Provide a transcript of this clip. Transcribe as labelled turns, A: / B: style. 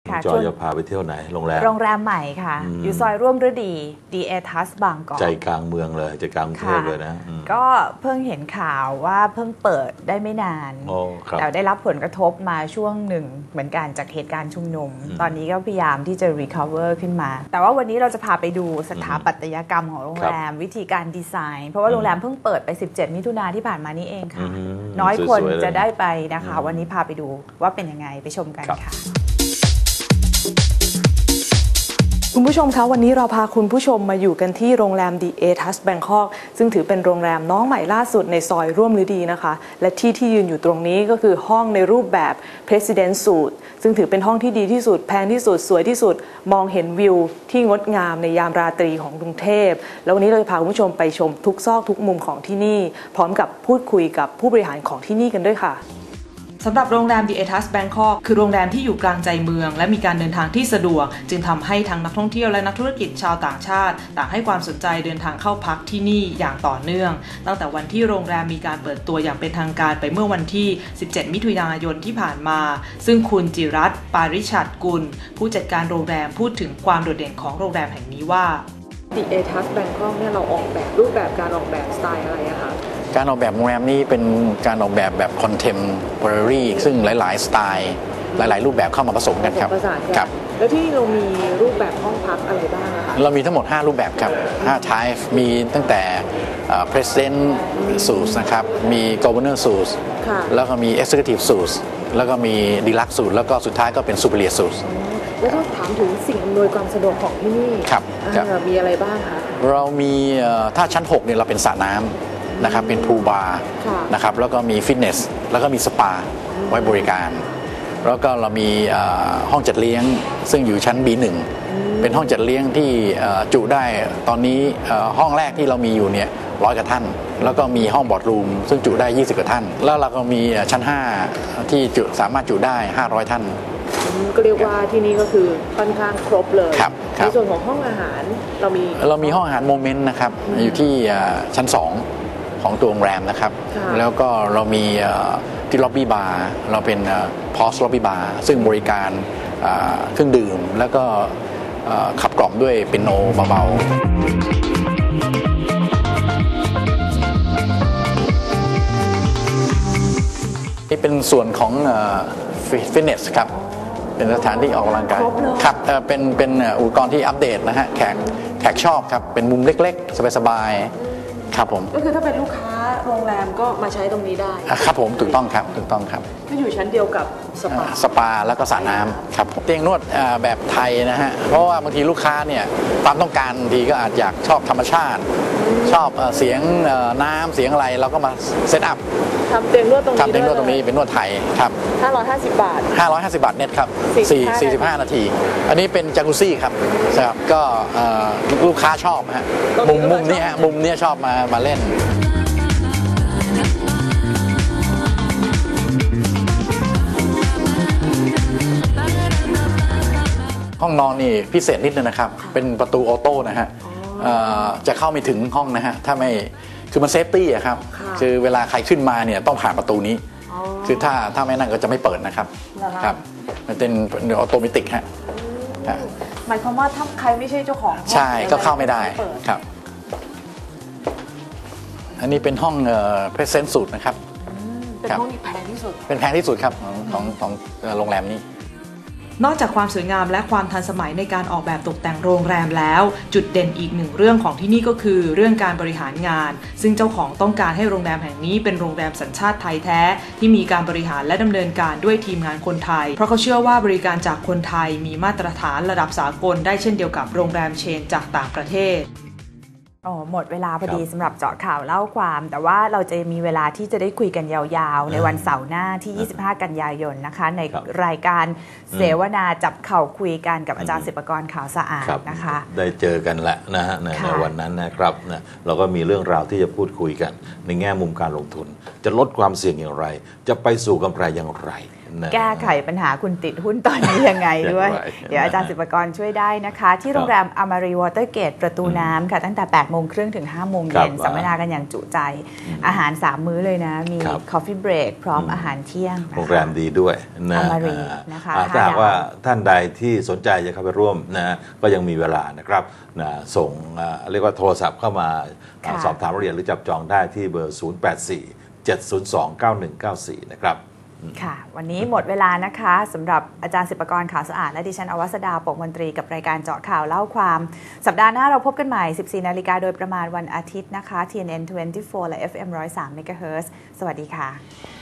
A: จอยจะพาไปเที่ยวไหนโรงแร
B: มใหม่ค่ะอยู่ซอยร่วมฤดี DA Touch บางกอก
A: ใจกลางเมืองเลยใจกลางกรุงเทพเลยนะ
B: ก็เพิ่งเห็นข่าวว่าเพิ่งเปิดได้ไม่นานแต่ได้รับผลกระทบมาช่วงหนึ่งเหมือนกันจากเหตุการณ์ชุมนุมตอนนี้ก็พยายามที่จะ recover ขึ้นมาแต่ว่าวันนี้เราจะพาไปดูสถาปัตยกรรมของโรงแรมวิธีการดีไซน์เพราะว่าโรงแรมเพิ่งเปิดไป17มิถุนายนที่ผ่านมานี้เองค่ะน้อยคนจะได้ไปนะคะวันนี้พาไปดูว่าเป็นยังไงไปชมกันค่ะคุณผู้ชมคะวันนี้เราพาคุณผู้ชมมาอยู่กันที่โรงแรม DA Touch Bangkok ซึ่งถือเป็นโรงแรมน้องใหม่ล่าสุดในซอยร่วมฤดีนะคะและที่ยืนอยู่ตรงนี้ก็คือห้องในรูปแบบ President Suite ซึ่งถือเป็นห้องที่ดีที่สุดแพงที่สุดสวยที่สุดมองเห็นวิวที่งดงามในยามราตรีของกรุงเทพแล้ววันนี้เราจะพาคุณผู้ชมไปชมทุกซอกทุกมุมของที่นี่พร้อมกับพูดคุยกับผู้บริหารของที่นี่กันด้วยค่ะสำหรับโรงแรม DA Touch Bangkok คือโรงแรมที่อยู่กลางใจเมืองและมีการเดินทางที่สะดวกจึงทำให้ทั้งนักท่องเที่ยวและนักธุรกิจชาวต่างชาติต่างให้ความสนใจเดินทางเข้าพักที่นี่อย่างต่อเนื่องตั้งแต่วันที่โรงแรมมีการเปิดตัวอย่างเป็นทางการไปเมื่อวันที่17มิถุนายนที่ผ่านมาซึ่งคุณจิรัตน์ ปาริชัดกุลผู้จัดการโรงแรมพูดถึงความโดดเด่นของโรงแรมแห่งนี้ว่า DA Touch Bangkok เนี่ยเราออกแบบรูปแบบการออกแบบสไตล์อะไรอะคะ
C: การออกแบบโรงแรมนี้เป็นการออกแบบคอนเทมพอรารีซึ่งหลายๆสไตล์หลายๆรูปแบบเข้ามาผสมกันครับ
B: ครับแล้วที่เรามีรูปแบบห้องพักอะไรบ้างคะ
C: เรามีทั้งหมด5รูปแบบครับ5 type มีตั้งแต่ President Suite นะครับมี Governor Suite แล้วก็มี Executive Suite แล้วก็มี Deluxe Suite แล้วก็สุดท้ายก็เป็น Superior Suite
B: แล้วก็ถามถึงสิ่งอำนวยความสะดวกของที่นี่
C: ครับ
B: มีอะไรบ้างคะ
C: เรามีถ้าชั้น6เนี่ยเราเป็นสระน้ำนะครับเป็นพูลบาร์นะครับแล้วก็มีฟิตเนสแล้วก็มีสปาไว้บริการแล้วก็เรามีห้องจัดเลี้ยงซึ่งอยู่ชั้น B1 เป็นห้องจัดเลี้ยงที่จุได้ตอนนี้ห้องแรกที่เรามีอยู่เนี่ย100 กว่าท่านแล้วก็มีห้องบอร์ดรูมซึ่งจุได้20 กว่าท่านแล้วเราก็มีชั้น5ที่สามารถจุได้500 ท่าน
B: ก็เรียกว่าที่นี่ก็คือค่อนข้างครบเลยในส่วนของห้องอาหาร
C: เรามีห้องอาหารโมเมนต์นะครับอยู่ที่ชั้น2ของตัวโรงแรมนะครับแล้วก็เรามีที่ล็อบบี้บาร์เราเป็นพอสล็อบบี้บาร์ซึ่งบริการเครื่องดื่มแล้วก็ขับกล่อมด้วยเปียโนเบาๆนี่เป็นส่วนของฟิตเนสครับเป็นสถานที่ออกกำลังกายครับเป็นอุปกรณ์ที่อัปเดตนะฮะแขกชอบครับเป็นมุมเล็กๆสบายๆครับผม
B: ก็คือถ้าเป็นลูกค้าโรงแรมก็มาใช้ตรงนี้ได้
C: ครับผมถูกต้องครับ
B: ก็อยู่ชั้นเดียวกับ
C: สปาแล้วก็สระน้ำครับเตียงนวดแบบไทยนะฮะเพราะว่าบางทีลูกค้าเนี่ยความต้องการบางทีก็อาจอยากชอบธรรมชาติชอบเสียงน้ำเสียงอะไรเราก็มาเซตอัพ
B: ทำเตียงนวดตรงนี้
C: เป็นนวดไทยครับ
B: 550 บาท
C: เน็ตครับ45 นาทีอันนี้เป็นจากุซี่ครับก็ลูกค้าชอบฮะมุมนี้ชอบมาเล่นห้องนอนนี่พิเศษนิดนึงนะครับเป็นประตูออโต้นะฮะจะเข้าไม่ถึงห้องนะฮะถ้าไม่คือมันเซฟตี้อะครับคือเวลาใครขึ้นมาเนี่ยต้องผ่านประตูนี้คือถ้าไม่นั่นก็จะไม่เปิดนะครับครับมันเป็นออโตเมติกฮะ
B: หมายความว่าถ้าใครไม่ใช่เจ้าของ
C: ใช่ก็เข้าไม่ได้ครับอันนี้เป็นห้องPresent Suiteนะครับ
B: เป็นห้องที่แพงที่สุด
C: เป็นแพงที่สุดครับของโรงแรมนี้
B: นอกจากความสวยงามและความทันสมัยในการออกแบบตกแต่งโรงแรมแล้วจุดเด่นอีกหนึ่งเรื่องของที่นี่ก็คือเรื่องการบริหารงานซึ่งเจ้าของต้องการให้โรงแรมแห่งนี้เป็นโรงแรมสัญชาติไทยแท้ที่มีการบริหารและดำเนินการด้วยทีมงานคนไทยเพราะเขาเชื่อว่าบริการจากคนไทยมีมาตรฐานระดับสากลได้เช่นเดียวกับโรงแรมเชนจากต่างประเทศหมดเวลาพอดีสำหรับเจาะข่าวเล่าความแต่ว่าเราจะมีเวลาที่จะได้คุยกันยาวๆในวันเสาร์หน้าที่25 กันยายนนะคะในรายการเสวนาจับเข่าคุยกันกับอาจารย์ศิปกรขาวสะอาดนะคะ
A: ได้เจอกันแหละนะฮะในวันนั้นนะครับนะเราก็มีเรื่องราวที่จะพูดคุยกันในแง่มุมการลงทุนจะลดความเสี่ยงอย่างไรจะไปสู่กำไรอย่างไรนะ
D: แก้ไขปัญหาคุณติดหุ้นตอนนี้ยังไงด้วย เดี๋ยวอาจารย์ศิปกรช่วยได้นะคะ ที่โรงแรมอมารีวอเตอร์เกตประตูน้ำค่ะตั้งแต่ 8:30 ถึง 5 โมงเย็นสัมมนากันอย่างจุใจอาหาร 3 มื้อเลยนะ มี Coffee Break พร้อมอาหารเที่ยง
A: โรงแรมดีด้วยนะ
D: อมารีนะคะ
A: ถ้าหากว่าท่านใดที่สนใจจะเข้าไปร่วมนะก็ยังมีเวลานะครับนะส่งเรียกว่าโทรศัพท์เข้ามาสอบถามรายละเอียดหรือจับจองได้ที่เบอร์ 0847029194 นะครับ
D: ค่ะวันนี้หมดเวลานะคะสำหรับอาจารย์ศิปกรขาวสะอาดและดิฉันอวสดาปกมนตรีกับรายการเจาะข่าวเล่าความสัปดาห์หน้าเราพบกันใหม่ 14 นาฬิกาโดยประมาณวันอาทิตย์นะคะ TNN 24 และ FM 103 MHz สวัสดีค่ะ